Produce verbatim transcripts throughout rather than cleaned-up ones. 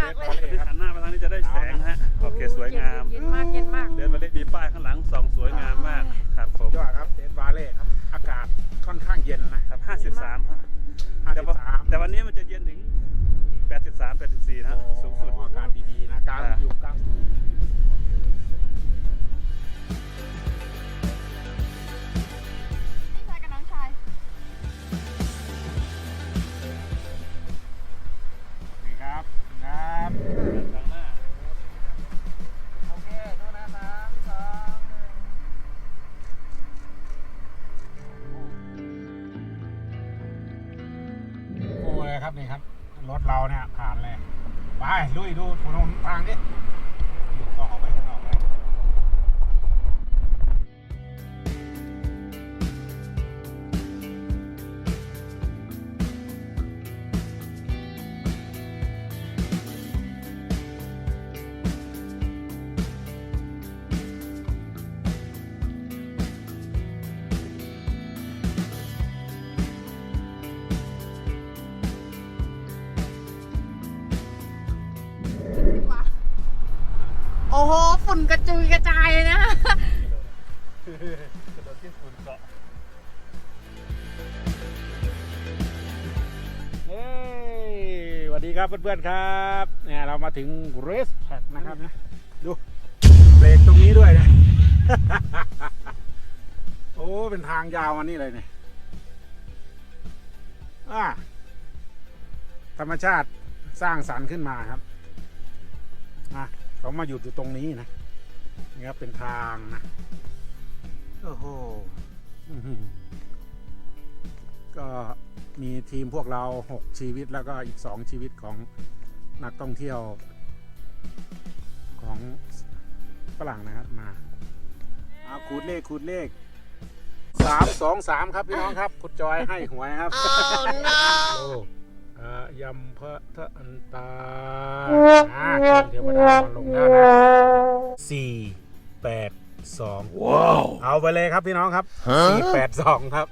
ากเลยหันหน้าไปทางนี้จะได้แสงฮะโอเคสวยงามเย็นมากเย็นมากเดินมาเล่นมีป้ายข้างหลังส่องสวยงามมากครับผมยอดครับเดนบาเล่ครับอากาศค่อนข้างเย็นนะครับห้าสิบสามฮะห้าแต่สิบว่าสามแต่วันนี้มันจะเย็นถึงแปดสิบสาม แปดสิบสี่นะฮะสูงสุดอากาศดีๆนะกลางอ่าอยู่กลางนี่ครับครับทางหน้าโอเคดูนะสามสองหนึ่งโอ้ยครับนี่ครับรถเราเนี่ยผ่านเลยไปลุยดูถนนทางดิหยุดต้องออกไปข้างนอกไปโอ้โหฝุ่นกระจุยกระจายเลยนะกระโดดที่ฝุ่นเกาะเฮ้ยสวัสดีครับเพื่อนๆครับเนี่ยเรามาถึงเรสแท็กนะครับนะดูเบรกตรงนี้ด้วยนะ โอ้เป็นทางยาวมานี่เลยเนี่ยอ่าธรรมชาติสร้างสรรค์ขึ้นมาครับอ่ะเขามาหยุดอยู่ตรงนี้นะนี่ครับเป็นทางนะโอ้โหอื้อหือก็มีทีมพวกเราหกชีวิตแล้วก็อีกสองชีวิตของนักท่องเที่ยวของฝรั่งนะครับมาเอาขูดเลขขูดเลขสามสองสามครับพี่น้องครับคุณจอยให้หวยครับ โอ้อ่ายำพระทะอันตาอ่าเชิญเทวดามาลงได้นะสี่แปดสองว้าวเอาไปเลยครับพี่น้องครับสี่แปดสองครับ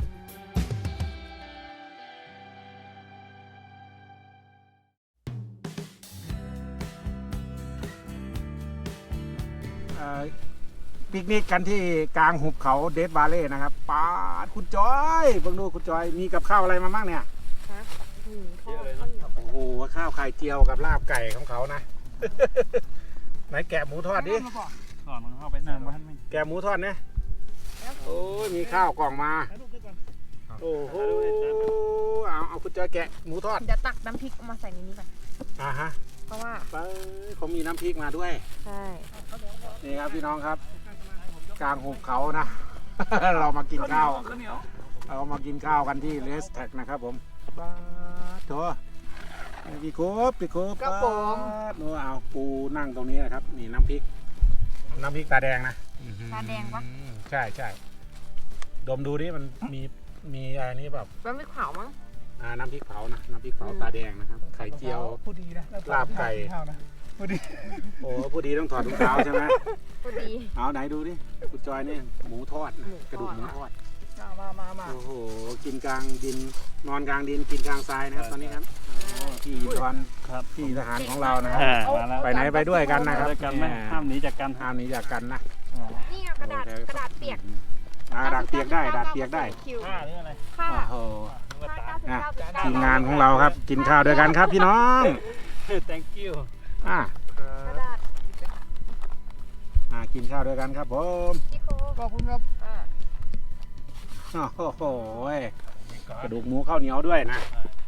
ปิกนิกกันที่กลางหุบเขาเดดบาเล่นะครับป้าดคุณจอยเบิ่งดูคุณจอยมีกับข้าวอะไรมาบ้างเนี่ยเยอะเลยนะโอ้โหข้าวไข่เจียวกับลาบไก่ของเขานะ ไหนแกะหมูทอดดิก่อนมันเข้าไปนั่งบ้านไม่แกะหมูทอดเนี่ยโอ้ยมีข้าวกล่องมาโอ้โหเอาเอาคุณจอยแกะหมูทอดเดี๋ยวตักน้ำพริกมาใส่ในนี้ก่อนอ่าฮะเพราะว่าไปเขามีน้ำพริกมาด้วยใช่นี่ครับพี่น้องครับ กลางหุบเขานะ เรามากินข้าวเรามากินข้าวกันที่เลสแท็กนะครับผมบ้าโถพี่โคบพี่โคบกระผมนูเอาปูนั่งตรงนี้นะครับนี่น้ำพริก น้ำพริกตาแดงนะตาแดงปะอืมใช่ใช่ดมดูดิมันมีมีอะไรนี่แบบมันไม่ขาวมั้งอ่าน้ำพริกเผานะน้ำพริกเผาตาแดงนะครับไข่เจียวพูดดีนะลาบไก่พูดดีโอ้ผู้ดีต้องถอดรองเท้าใช่ไหมพอดีเอาไหนดูดิคุณจอยนี่หมูทอดนะหมูทอดกระดูกหมูทอดมามามามาโอ้โหกินกลางดินนอนกลางดินกินกลางทรายนะครับตอนนี้ครับพี่ดอนครับพี่ทหารของเรานะครับอ่ามาแล้วไปไหนไปด้วยกันนะครับด้วยกันไหมห้ามหนีจากกันห้ามหนีจากกันนะนี่ไงกระดาษกระดาษเปียกอ่าดาดเปียกได้ดาดเปียกได้คิวผ้าหรืออะไรค่ะโอ้โหนึกว่าตาอ่ะทีมงานของเราครับ กินข้าวด้วยกันครับพี่น้อง thank you อ่ะกระดาษอ่ะกินข้าวด้วยกันครับผมพี่โคขอบคุณครับอ่าโอ้โหกระดูกหมูข้าวเหนียวด้วยนะ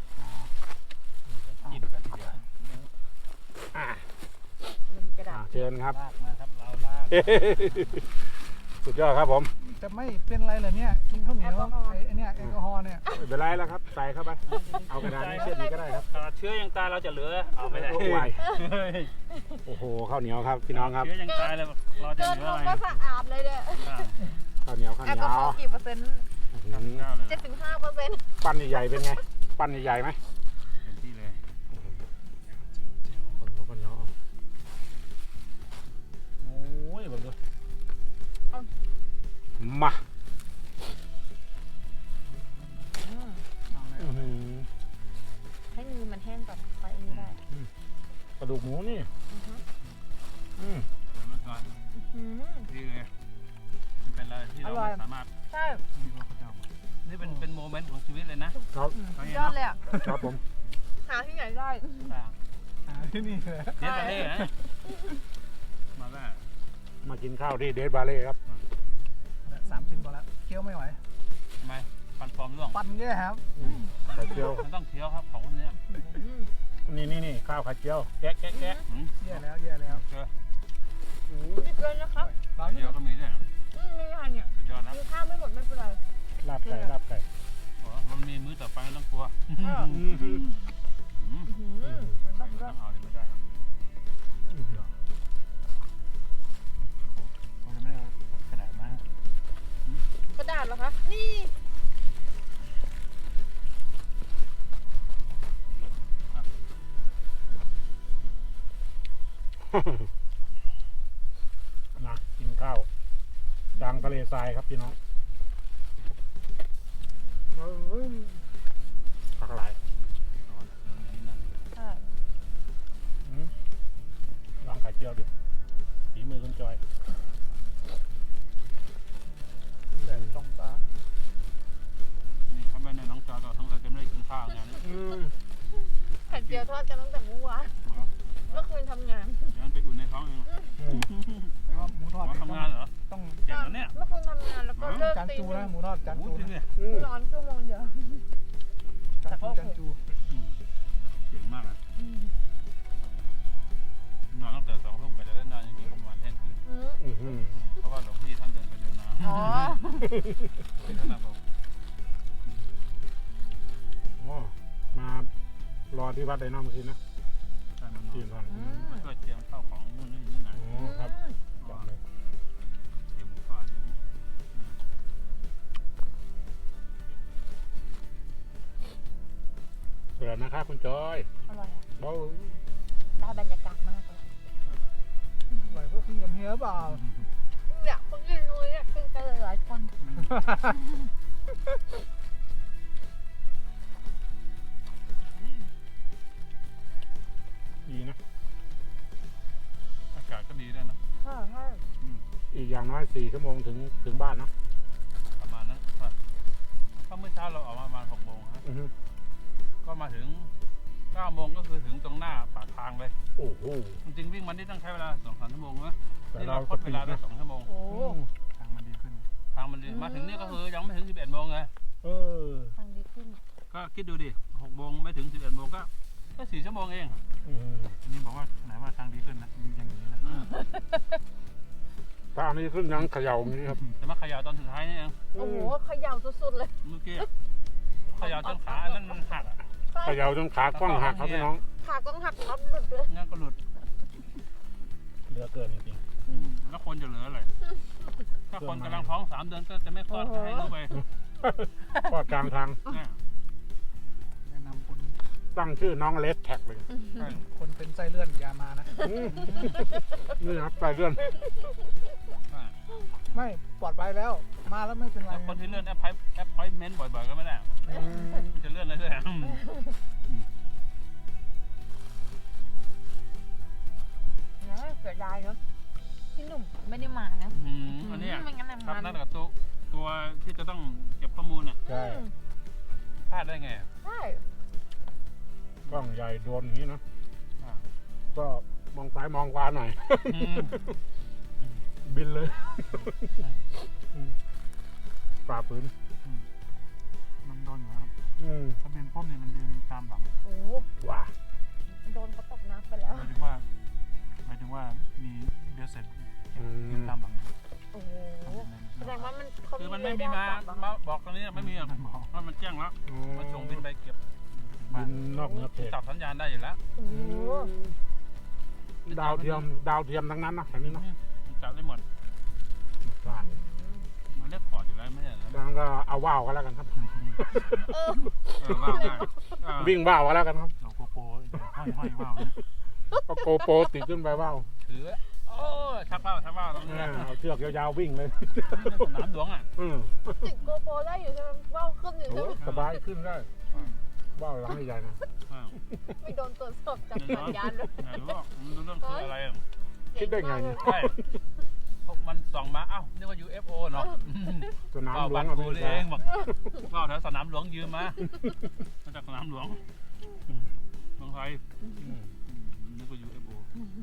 กินกันทีเดียวอ่ะกระดาอ่ะษเชิญครับลากมาครับเราลากสุดยอดครับผมจะไม่เป็นไรเหรอเนี่ยกินข้าวเหนียวไอ้ไอ้เนี่ยแอลกอฮอล์เนี่ยไม่เป็นไรแล้วครับใส่เข้าไปเอากระดาษนี้เช็ดดีก็ได้ครับขนาดเชื้อยังตายเราจะเหลือเอาไม่ได้โอ้ยโอ้โหข้าวเหนียวครับพี่น้องครับเชื้อยังตายเลยเราจะเกินเหลือลอะงไรก็สะอาดเลยเนี่ยข้าวเหนียวข้าวเหแอลนีกยอฮอวล์กี่เปอร์เซ็นต์อื้อหือเจ็ดถึงห้าเปอร์เซ็นต์ปั้นใหญ่ๆเป็นไงปั้นใหญ่ๆไหมที่เลยคนเขาคนเนาะโอ้ยแบบนี้มาอื้อหือให้มือมันแห้งก่อนไปอันนี้ได้ปลาระดูกหมูนี่อืมเดี๋ยวมันก่อนอืมดีเลยมันเป็นอะไรที่เราอร่อยไม่สามารถใช่นี่เป็นเป็นโมเมนต์ของชีวิตเลยนะครับสุดยอดเลยอ่ะครับผมหาที่ไหนได้ต่างหาที่นี่เลยเดี๋ยวไปเลยนะมาแล้วมากินข้าวที่เดทบาเล่ครับสามชิ้นพอแล้วเคี้ยวไม่ไหวทำไมฟันปลอมร่วงปันแย่ครับไข่เจียวมันต้องเคี้ยวครับของคนเนี้ยอืมนี่นี่นี่ข้าวไข่เจียวแกะแกะแกะหืมแย่แล้วแย่แล้วเจอดีเกินนะครับเราเดียวก็มีด้วยเหรออืมไม่ทันเนี่ยสุดยอดนะกินข้าวไม่หมดไม่เป็นไรลาบไก่ลาบไก่โอ้มันมีมื้อต่อไปไม่ต้องกลัวอ่าอืมหืมอืมเหมือนแบบไม่ว่าต้องเอาเลยไม่ได้หรอกมันจะไม่ได้ขนาดนั้นกระดาษเหรอคะนี่มากินข้าวกลางทะเลทรายครับพี่น้องผักหลายใช่อืมลองไข่เจียวดิฝีมือคุณจอยแต่ต้องตานี่ถ้าไม่ในน้องจอก็ทั้งเราจะไม่ได้กินข้าวงานนี้อืมไข่เจียวทอดกันตั้งแต่เมื่อวานเมื่อคืนทำงานเดี๋ยวมันไปอุ่นในท้องเองอืมแล้วหมูทอดว่าทำงานเหรอต้องเก่งแล้วเนี่ยเมื่อคืนทำงานแล้วก็เลิกจานตีจูนะหมูทอดจานโอ้จูจริงนะเนี่ยอืมนอนชั่วโมงเดียวจานจูจานจูเก่งมากเลยนอนตั้งแต่สองทุ่มกว่าจะได้นอนจริงๆประมาณเที่ยงคืนอืมอื้อหือเพราะว่าหลวงพี่ท่านเดินไปเดินมาอ๋อเป็นท่านบอกอ๋อมารอที่วัดไดโนเมื่อกี้นะท่านมาทีมทอนอืมช่วยเตรียมข้าวของนู่นนี่นี่หน่อยอ๋อครับบอกเลยเตรียมข้าวเบื่อนะครับคุณจอยอร่อยอะเบ้าได้บรรยากาศมากเลยอร่อยเพื่อขึ้นกับเฮียเปล่าเนี่ยคนกินลุยเนี่ยกินกันหลายๆคนดีนะอากาศก็ดีด้วยนะใช่ใช่อีกอย่างน้อยสี่ชั่วโมงถึงถึงบ้านเนาะประมาณนั้นว่าถ้าเมื่อเช้าเราออกมาประมาณหกโมงฮะอือฮึก็มาถึงเก้าโมงก็คือถึงตรงหน้าปากทางเลยโอ้โหจริงๆวิ่งมันนี่ต้องใช้เวลาสองสามชั่วโมงนะแต่นี่เราเราคสดปีเวดลาได้นะสองชั่วโมงโอ้อืมทางมันดีขึ้นทางมันดีมาถึงนี่ก็คือยังไม่ถึงสิบเอ็ดโมงเลยเออทางดีขึ้นก็คิดดูดิหกโมงไม่ถึงสิบเอ็ดโมงก็ก็สี่ชั่วโมงเองอืมทีนี้บอกว่าไหนว่าทางดีขึ้นนะอย่างนี้นะถ้าอันนี้ขึ้นยังเขย่าอย่างนี้ครับแต่มาเขย่าตอนสุดท้ายนี่เองโอ้โหเขย่าสุดๆเลยเมื่อกี้อะเขย่าจนขาอันนั้นมันหักอ่ะเขย่าจนขากล้องหักครับพี่น้องขาต้องหักน็อตหลุดด้วยงั้นก็หลุดเหลือเกินจริงแล้วคนจะเหลืออะไรถ้าคนกำลังท้องสามเดือนก็จะไม่คลอดให้รู้ไปๆก็กลางทางเนี่ยแนะนำคนตั้งชื่อน้องเลสแท็กเลยใช่คนเป็นไส้เลื่อนอย่ามานะอืมนี่ครับไปเรื่อนใช่ไม่ปลอดภัยแล้ว มาแล้วไม่เป็นไรแล้วคนที่เลื่อนแอปพอยแอปพอยเมนต์บ่อยๆก็ไม่ได้อืมมันจะเลื่อนเรื่อยๆอืมนะเสียดายเนาะพี่หนุ่มไม่ได้มานะอืมอันเนี้ยไม่งั้นครับมันนั่นกับตัวตัวที่จะต้องเก็บข้อมูลน่ะใช่อืมพลาดได้ไงใช่กล้องใหญ่โดนอย่างนี้เนอะอ่าก็มองซ้ายมองขวาหน่อยอืมบินเลยอืมฝ่าปืนมันโดนอยู่ครับอืมถ้าเป็นป้อมเนี่ยมันยืนตามหลังโอ้โหว้าโดนเขาตกน้ำไปแล้วหมายถึงว่าหมายถึงว่ามีเบลเซ็ตอืยืนมตามหลังโอ้โหแสดงว่ามันเขาคือมันไม่มีเรมาดร์จับเหรอมาบอกตรงนี้ไม่มีอ่ะเพราะมันแจ้งแล้วมันส่งบินไปเก็บบินนอกเหนือเขตจับสัญญาณได้อยู่แล้วโอ้โหดาวเทียมดาวเทียมทั้งนั้นนะอันนี้เนาะมันจับได้หมดใช่มันเรียกขอร์ดอยู่แล้วไม่ใช่เหรอดังนั้นก็เอาว่าวกันแล้วกันครับเออเออว่าวได้เออวิ่งว่าวกันแล้วกันครับเราโกโปรห้อยห้อยว่าวก็โกโปรติดขึ้นไปว่าวถือโอ้ชักว่าวชักว่าวตรงนี้อ่าเอาเชือกยาวๆวิ่งเลยนี่ในสนามหลวงอ่ะอืมติดโกโปรได้อยู่ใช่ไหมว่าวขึ้นอยู่โอ้ใช่ไหมสบายขึ้นได้ว่าวหลังใหญ่ๆนะเออ่าไม่โดนตรวจสอบจากสัญญาณเลยไหนรู้ว่ามันรู้เรื่องคืออะไรอ่ะคิดได้ไงเนี่ยใช่พวกมันส่องมา เอ้านึกว่า ยู เอฟ โอ เนาะสนามก็หลวบังตรอเมกูรินี่กาเองบอกก็แถวสนามหลวงยืมมา มาจากสนามหลวงอืมเมืองไทยอืมอืมนึกว่า ยู เอฟ โอ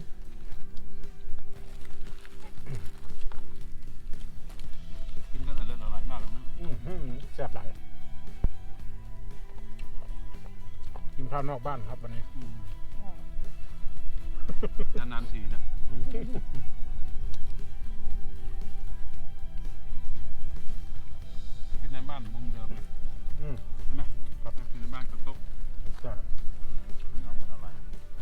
กินกันอร่อยอร่อยมากเลยนะอืมอืมแซ่บหลายกินข้าวนอกบ้านครับวันนี้อืมนานๆทีนะอืมกินในบ้านมุมเดิมเลยอืมใช่ไหมครับกินในบ้านกับโต๊ะใช่ไม่เอาหมดอะไร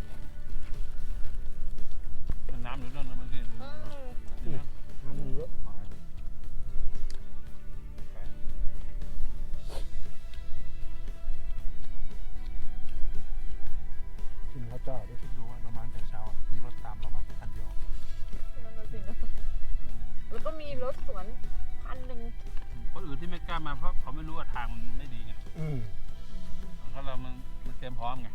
เป็นน้ำหรือเรื่องอะไรบางทีอืมนี่นะน้ำมันเยอะกินข้าวเจ้าด้วยคิดดูว่าเรามาตั้งแต่เช้าอะมีรถตามเรามาแค่คันเดียวนั่นน่ะสินะแล้วก็มีรถสวนคันหนึ่งคนอื่นที่ไม่กล้ามาเพราะเขาไม่รู้ว่าทางมันไม่ดีไงอืมถ้าเรามันมันเตรียมพร้อมไง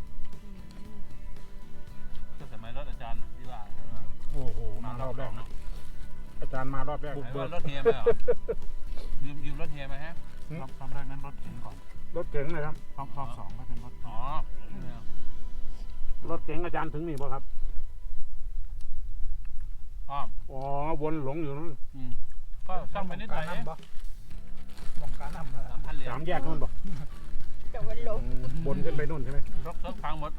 ก็สมัยรถอาจารย์น่ะที่ว่าโอ้โหมารอบแรกนะอาจารย์มารอบแรกบุบุกกเบิเบิกกรถเฮียไหมเหรอยืมยืมรถเฮียไหมฮะรอบรอบแรกนั้นรถเก๋งก่อนรถเก๋งเลยครับรอบรอบสองก็เป็นรถอ๋อรถเก๋งอาจารย์ถึงนี่ป่ะครับอ้อมอ๋อวนหลงอยู่นั่นอืมก็ซ่อมไปนิดหน่อยเองบ่มองการนำนะสามพันเหรียญสามแยกนู่นบอกจะวันลงบนขึ้นไปนู่นใช่ไหมรถรถพังหมด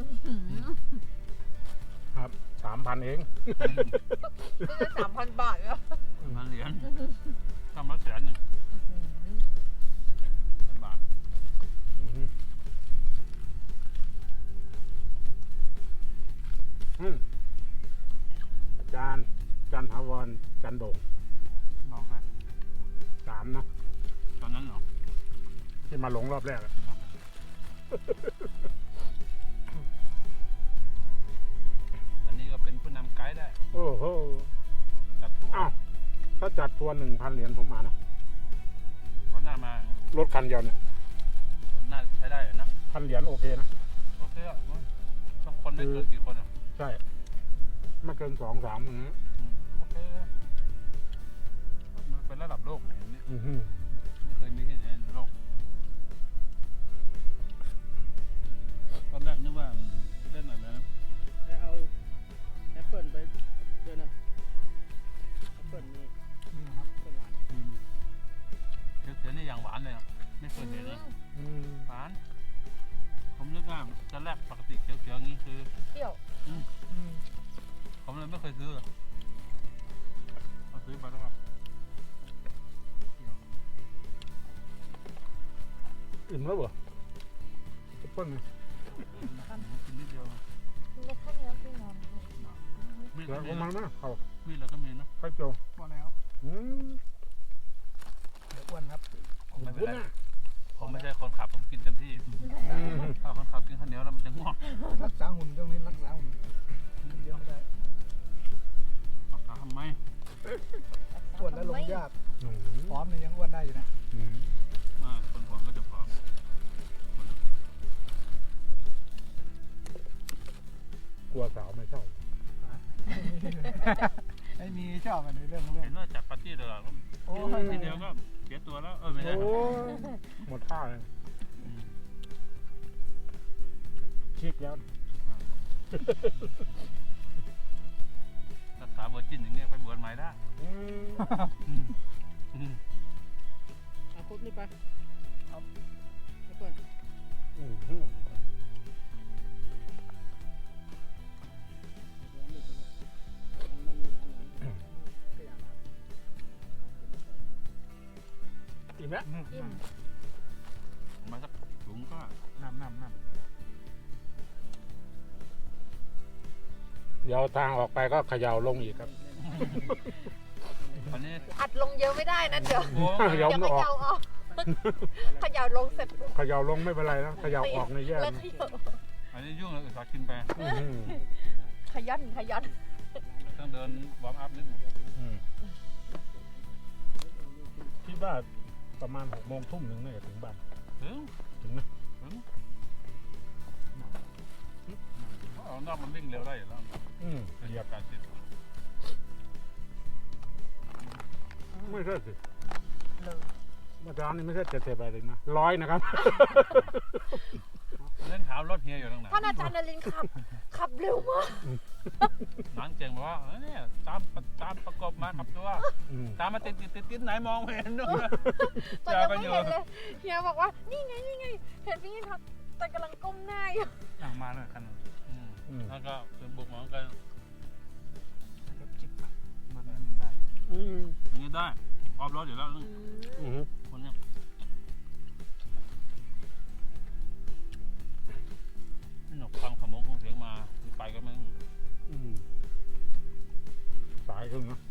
ครับสามพันเองก็จะสามพันบาทแล้วพันเหรียญซ่อมรถแสนหนึ่งแสนบาทอือฮึอืมอาจารย์อาจารย์ถาวรอาจารย์โด่งรอบแรกสามเนาะตอนนั้นเหรอที่มาหลงรอบแรกอะวันนี้ก็เป็นผู้นำไกด์ได้โอ้โหจัดทัวร์อ้าวถ้าจัดทัวร์หนึ่งพันเหรียญผมมานะวันหน้ามารถคันเดียวเนี่ยน่าใช้ได้อยู่นะพันเหรียญโอเคนะโอเคอ่ะต้องคนไม่เกินกี่คนอ่ะใช่ไม่เกินสองสามอย่างนี้อืมโอเคมันเป็นระดับโลกเนี่ยเนี่ยอือฮึไม่เคยมีที่ไหนในโลกตอนแรกนึกว่าเล่นอะไรนะเอาแอปเปิลไปด้วยนะแอปเปิลนี่นี่นะครับต้นหวานอืมเขียวๆนี่อย่างหวานเลยอ่ะไม่เคยเห็นเลยอืมหวาน ผมนึกว่าตอนแรกปกติเขียวๆอย่างนี้คือเที่ยวผมเลยไม่เคยซื้อเลยเอาซื้อมาแล้วครับอิ่มแล้วเหรอแอปเปิ้ลเนี่ยกินนิดเดียวแล้วแค่นี้พี่นอนมีดเดี๋ยวก็มีเอามานะนะเขามีดเราก็มีนะไข่โจพอแล้วอืมเดี๋ยวอ้วนครับผมไม่เป็นวุ้นไรน่ะผมไม่ใช่คนขับผมกินเต็มที่อืมถ้าคนขับกินข้าวเหนียวแล้วมันจะง่วงรักษาหุ่นตรงนี้รักษาหุ่นเดียวไม่ได้รักษาทำไมอ้วนแล้วลงยากอืมพร้อมเนี่ยยังอ้วนได้อยู่นะอืมอ่าคนผอมก็จะผอมกลัวสาวไม่ชอบไม่มีชอบกันในเรื่องเรื่องเห็นว่าจัดปาร์ตี้ตลอดโอ้ยทีเดียวก็เสียตัวแล้วเออไม่ได้โอ้ยหมดท่าเลยอืมชิกแล้วรักษาเวอร์จินอย่างเงี้ยไปบวชใหม่ได้อืมอืมอืมเอาคุดนี่ไปครับแอปเปิลอืมอืมมันมีอันนั้นก็อย่างนั้นอิ่มแล้วอิ่มมาสักถุงก็น้ำน้ำน้ำเดี๋ยวทางออกไปก็เขย่าลงอีกครับวันนี้อัดลงเยอะไม่ได้นะเดี๋ยวโอ้เดี๋ยวเดี๋ยวเขย่าออกเขย่าลงเสร็จปุ๊บเขย่าลงไม่เป็นไรนะเขย่าออกในแย่แล้วนะเขย่าอันนี้ยุ่งเลยอุตส่าห์กินไปอื้อหือขยันขยันต้องเดินวอร์มอัพนิดนึงอืมคิดว่าประมาณหกโมงทุ่มหนึ่งน่าจะถึงบ้านถึงถึงนะถึงนอกมันวิ่งเร็วได้อยู่แล้วอืมเป็นเหยียบการติดไม่ใช่สิเลยเมื่อเช้านี้ไม่ใช่เจ็ดสิบอะไรเลยนะร้อยนะครับเล่นขาวรถเฮียอยู่ตรงไหนท่านอาจารย์นรินทร์ขับ ขับเร็วมากนังเก่งบอกว่าเอ้ยเนี่ยตามตามประกบมาขับตัวอืมตามมาติดติดติดติดไหนมองไม่เห็นด้วยตอนยังไม่เห็นเลยเฮียบอกว่านี่ไงนี่ไงเห็นพี่ยินทักแต่กำลังก้มหน้าอยู่อ่างมาเลยคันนึงอืมอืมแล้วก็เป็นบุกเหมือนกันรถจิบมันได้อืมอย่างนี้ได้ออฟรถอยู่แล้วอืมคนเนี้ยนี่หนกฟังขโมงคงเสียงมาไปก็ไม่อืมสายขึ้นนะ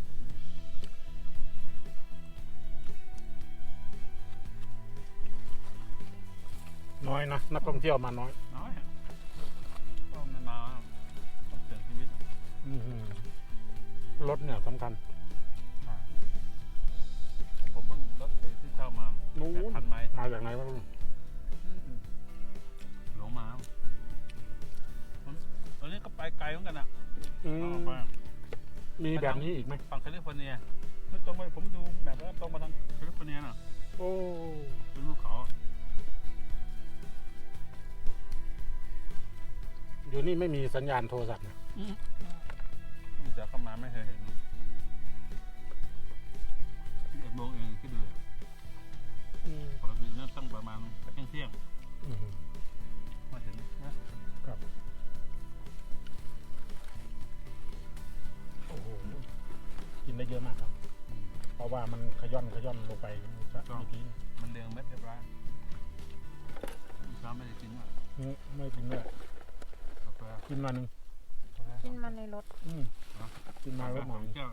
น้อยนะนักท่องเที่ยวมาน้อยน้อยก็มันมาต้องเสี่ยงชีวิตอืมรถเนี่ยสำคัญผมเพิ่งรถที่เช่ามานู้แปดนพันไมล์มาจากไหนวะลุงหลงมาตอนนี้ก็ไปไกลเหมือนกันอ่ะอืมออกไปมีแบบนี้อีกไหมฝั่งแคลิฟอร์เนียไม่ตรงไปผมดูแบบว่าตรงมาทางแคลิฟอร์เนียน่ะโอ้เป็นภูเขาเดี๋ยวนี้ไม่มีสัญญาณโทรศัพท์นะเสือเข้ามาไม่เคยเห็นที่เอ็ดโมงเองคิดดูเลยอืมปกติเนี่ยตั้งประมาณเที่ยงเที่ยงอืมมาถึงนะครับโอ้โหกินได้เยอะมากครับ เพราะว่ามันขย่อนขย่อนลงไปเมื่อกี้มันเรียงเม็ดเรียบร้อยเช้าไม่ได้กินอ่ะอืมไม่กินเลยกาแฟกินมาหนึ่งกินมาในรถอืมกินมาแล้วหมสออง งแก้วเอง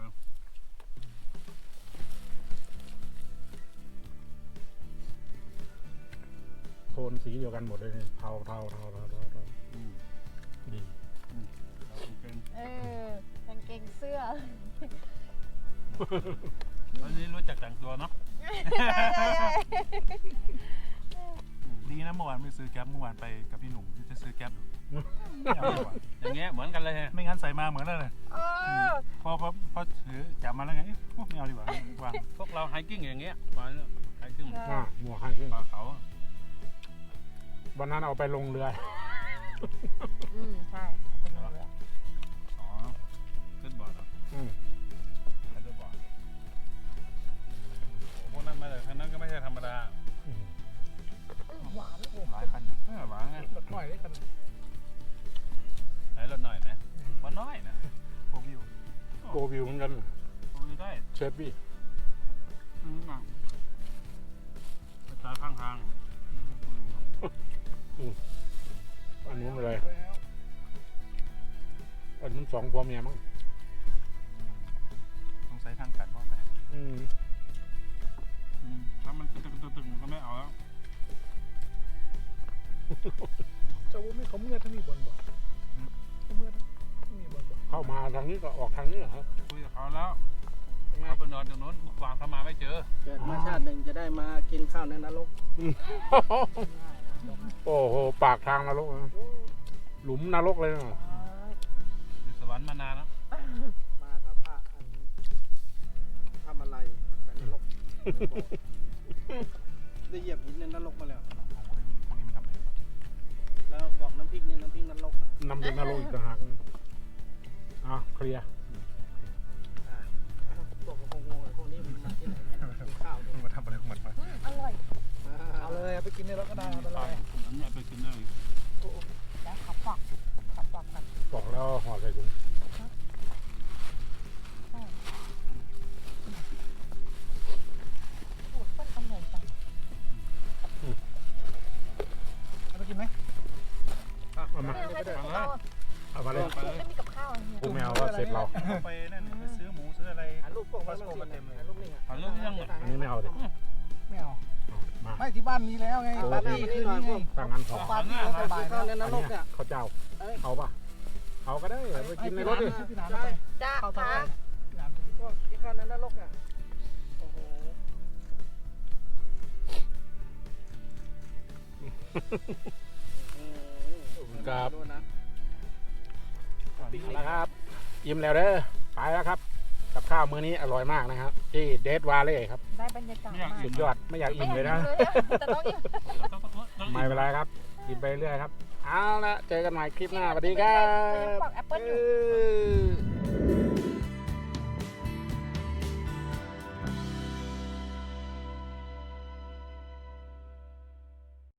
โทนสีเดียวกันหมดเลยเนี่ยเทาเทาเทาเทาเทาเทาอืมดีเราเป็นเออกางเกงเสื้อวันนี้รู้จักแต่งตัวเนาะดีนะเมื่อวานไม่ซื้อแก๊ปเมื่อวานไปกับพี่หนุ่มจะซื้อแก๊ปอยู่ไม่เอาดีกว่าอย่างเงี้ยเหมือนกันเลยฮะไม่งั้นใส่มาเหมือนแล้วเลยเออพอพอพอถือจับมาแล้วไงพวกไม่เอาดีกว่าวางพวกเราไฮกิ้งอย่างเงี้ยมาไฮกิ้งอ่าหมวกให้ขึ้นป่าเขาวันนั้นเอาไปลงเรืออืมใช่เป็นเรืออ๋อขึ้นบอร์ดเหรออืมขึ้นบอร์ดโอ้พวกนั้นมาจากทางนั้นก็ไม่ใช่ธรรมดาอืมหวานโอ้หลายคันอยู่เออหวานไงรถหน่อยได้กันไหนรถหน่อยนะว่าน้อยนะโฟวิวโกวิวเหมือนกันคุยได้เชฟบี้อืมอ่ะไปตายข้างทางอันนู้นเลย อันนู้นสองผัวเมียมั้งสงสัยทางกันว่าไปอืมอืมถ้ามันตึกตึกตึกตึกมันก็ไม่เอาแล้วเจ้าวุ้ไม่เขาเมื่อทั้งมีบนบ่เขาเมื่อทั้งมีบนบ่เข้ามาทางนี้ก็ออกทางนี้เหรอคุยกับเขาแล้วเขาไปนอนตรงโน้นวางเข้ามาไม่เจอเกิดมาชาติหนึ่งจะได้มากินข้าวในนรกโอ้โห ปากทางนรกนะหลุมนรกเลยนะอยู่สวรรค์มานานแล้วมากับพระอันทำอะไรไปนรกได้เหยียบหินในนรกมาแล้วพวกนี้มันทำอะไรแล้วบอกน้ำพริกเนี่ยน้ำพริกนรกนะนำเป็นนรกอีกต่างหากอ่ะเคลียร์พวกกระพงงงพวกนี้มันมาที่ไหนเนี่ยกินข้าวเนี่ยมาทำอะไรของมันวะอืมอร่อยเอาเลยเอาไปกินในรถก็ได้ไม่เป็นไรอันนี้ไปกินได้แล้วขับปักขับปักกันบอกแล้วห่อใส่ถุงโอ้ต้นอร่อยจังเอาไปกินไหมเอามาไม่เอาให้ถึงเราเอามาเลยไม่มีกับข้าวอะไรเนี่ยกูไม่เอาว่าเสร็จเราไปนั่นไปซื้อหมูซื้ออะไรถ่ายรูปพวกมันมาเต็มเลยถ่ายรูปนี่อ่ะถ่ายรูปยังไงอันนี้ไม่เอาดิไม่เอาเอามาไม่ที่บ้านมีแล้วไงโอ้ปาร์ตี้คืนนี้ไงถ้างั้นพอปาร์ตี้เขาสบายข้าวในนอันรกเนี้ยเนี่ยข้าวเจ้า เอาป่ะ เอาก็ได้ไปกินในรถดิพี่น้ำไปจ้าเข้าเท่าไหค่ะร่พี่น้ำไปกินพวกกินข้าวในนรกเนี่ยโอ้โหครับดูนะเอาละครับอิ่มแล้วเด้อไปแล้วครับกับข้าวมื้อนี้อร่อยมากนะครับที่เดดวาเล่ครับได้บรรยากาศมากสุดยอดไม่อยากไม่อิ่มอยากเลยนะเลยอะแต่ต้องอิ่มไม่เป็นไรครับกินไปเรื่อยครับเอาละเจอกันใหม่คลิปหน้าสวัสดีครัเขายังบปอกแอปเปิ้ลอยู่เออ